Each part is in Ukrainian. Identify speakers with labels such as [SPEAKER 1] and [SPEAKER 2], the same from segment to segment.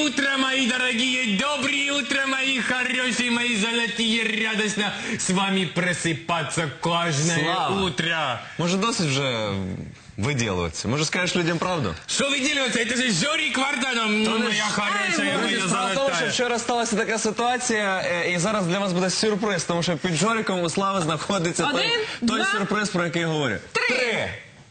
[SPEAKER 1] утро, мои дорогие, доброе утро, мои хорошие, мои золотые, радостно с вами просыпаться каждое
[SPEAKER 2] Слава.
[SPEAKER 1] утро.
[SPEAKER 2] Може досить вже виділуватися? Може скажеш людям правду?
[SPEAKER 1] Что вы делаете? Это же Жорик Варданов, моя хорошая, моя
[SPEAKER 2] Справа в тому, що
[SPEAKER 1] золотая.
[SPEAKER 2] вчора сталася така ситуація, і зараз для вас буде сюрприз, тому що під Жориком у Слави знаходиться той
[SPEAKER 3] два.
[SPEAKER 2] сюрприз, про який я говорю. Три!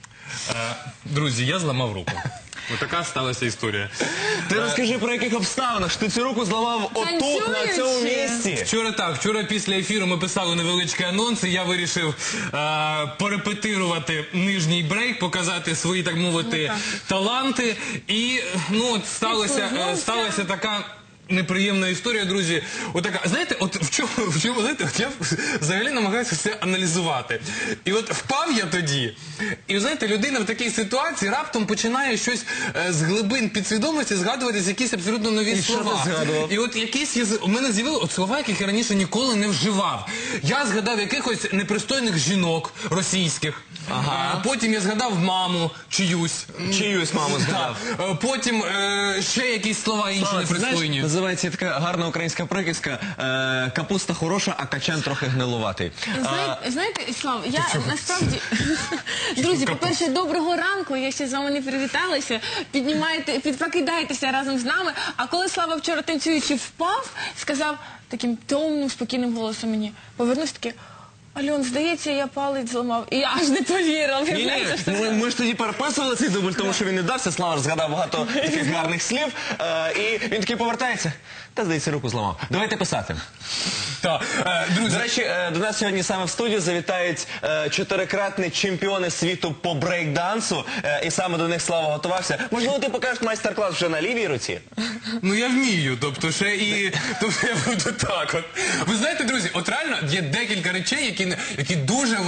[SPEAKER 1] Друзі, я зламав руку. Ось така сталася історія.
[SPEAKER 2] Ти розкажи, про яких обставинах, що ти цю руку зламав отут, на цьому місці.
[SPEAKER 1] Вчора після ефіру ми писали невеличкий анонс, і я вирішив порепетирувати нижній брейк, показати свої, так мовити, таланти. І, от сталася така неприємна історія, друзі. Отака, знаєте, от в чому, знаєте, от я взагалі намагаюся все аналізувати. І от впав я тоді, і, знаєте, людина в такій ситуації раптом починає щось з глибин підсвідомості згадуватись якісь абсолютно нові слова.
[SPEAKER 2] що ти згадував?
[SPEAKER 1] І от якісь у мене з'явилися слова, яких я раніше ніколи не вживав. Я згадав якихось непристойних жінок російських.
[SPEAKER 2] Ага.
[SPEAKER 1] Потім я згадав маму чиюсь.
[SPEAKER 2] Чиюсь маму згадав.
[SPEAKER 1] Потім ще якісь слова інші непристойні.
[SPEAKER 2] Називається така гарна українська приказка «Капуста хороша, а качан трохи гнилуватий».
[SPEAKER 3] Знаєте, Слав, я насправді... Друзі, по-перше, доброго ранку, я ще з вами не привіталася. Прокидаєтеся разом з нами. А коли Слава вчора танцюючи впав, сказав таким томним, спокійним голосом мені, повернувся таки: Альон, здається, я палець зламав. І я аж не повірила.
[SPEAKER 2] Ні, ми ж тоді переписували цей дубль, тому що він не дався. Слава ж згадав багато таких гарних слів. І він такий повертається. Та, здається, руку зламав. Давайте писати.
[SPEAKER 1] Друзі,
[SPEAKER 2] До речі, до нас сьогодні саме в студію завітають чотирикратні чемпіони світу по брейк-дансу. І саме до них Слава готувався. Можливо, ти покажеш майстер-клас вже на лівій руці?
[SPEAKER 1] я вмію, тобто я буду так от. Ви знаєте, друзі, от реально є декілька речей, які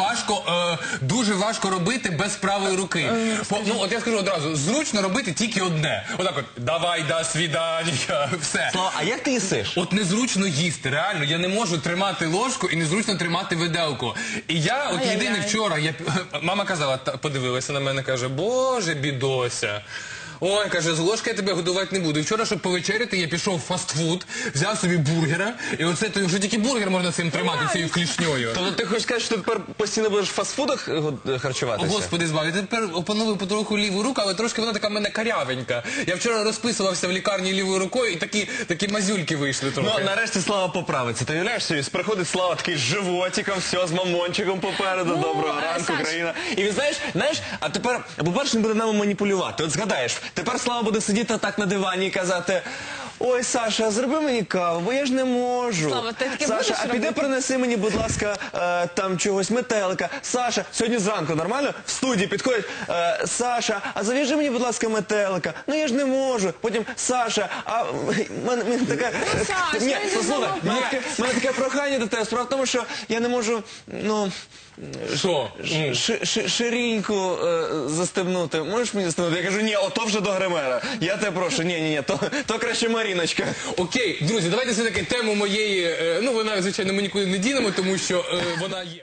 [SPEAKER 1] дуже важко робити без правої руки. От я скажу одразу, зручно робити тільки одне. Отак от, давай, до свидання, все.
[SPEAKER 2] Слава, а як ти їсиш?
[SPEAKER 1] От незручно їсти, реально, я не можу тримати ложку і незручно тримати виделку. І я, от єдине вчора, мама казала, подивилася на мене, каже: Боже, бідося. Ой, каже, з ложки я тебе годувати не буду. І вчора, щоб повечеряти, я пішов в фастфуд, взяв собі бургера, і оце, то вже тільки бургер можна цим тримати, цією клішньою.
[SPEAKER 2] Тобто ти хочеш сказати, що ти тепер постійно будеш в фастфудах харчуватися?
[SPEAKER 1] Господи, збав, я тепер опановую потроху ліву руку, але трошки вона така в мене карявенька. Я вчора розписувався в лікарні лівою рукою, і такі мазюльки вийшли трохи.
[SPEAKER 2] Ну, нарешті Слава поправиться. Ти уявляєш собі, приходить Слава такий з животиком, все, з мамончиком попереду, доброго ранку, країна. І він, знаєш, а тепер, по-перше, він буде нами маніпулювати. От згадаєш, тепер Слава буде сидіти так на дивані і казати: ой, Саша, зроби мені каву, бо я ж не можу.
[SPEAKER 3] Слава, ти таке
[SPEAKER 2] Саша,
[SPEAKER 3] будеш
[SPEAKER 2] а піди
[SPEAKER 3] робити?
[SPEAKER 2] принеси мені, будь ласка, там чогось, метелика. Саша, сьогодні зранку нормально? В студії підходить: Саша, а зав'яжи мені, будь ласка, метелика. Ну я ж не можу. Потім: Саша, а мене така...
[SPEAKER 3] Саша,
[SPEAKER 2] Ні,
[SPEAKER 3] він же
[SPEAKER 2] послухай, мене таке прохання до тебе. Справа в тому, що я не можу,
[SPEAKER 1] Що?
[SPEAKER 2] шириньку застебнути. Можеш мені застебнути? Я кажу: ні, ото вже до гримера. Я тебе прошу, ні, то краще Маріночка.
[SPEAKER 1] Окей, друзі, давайте все-таки тему моєї, вона, звичайно, ми нікуди не дінемо, тому що вона є.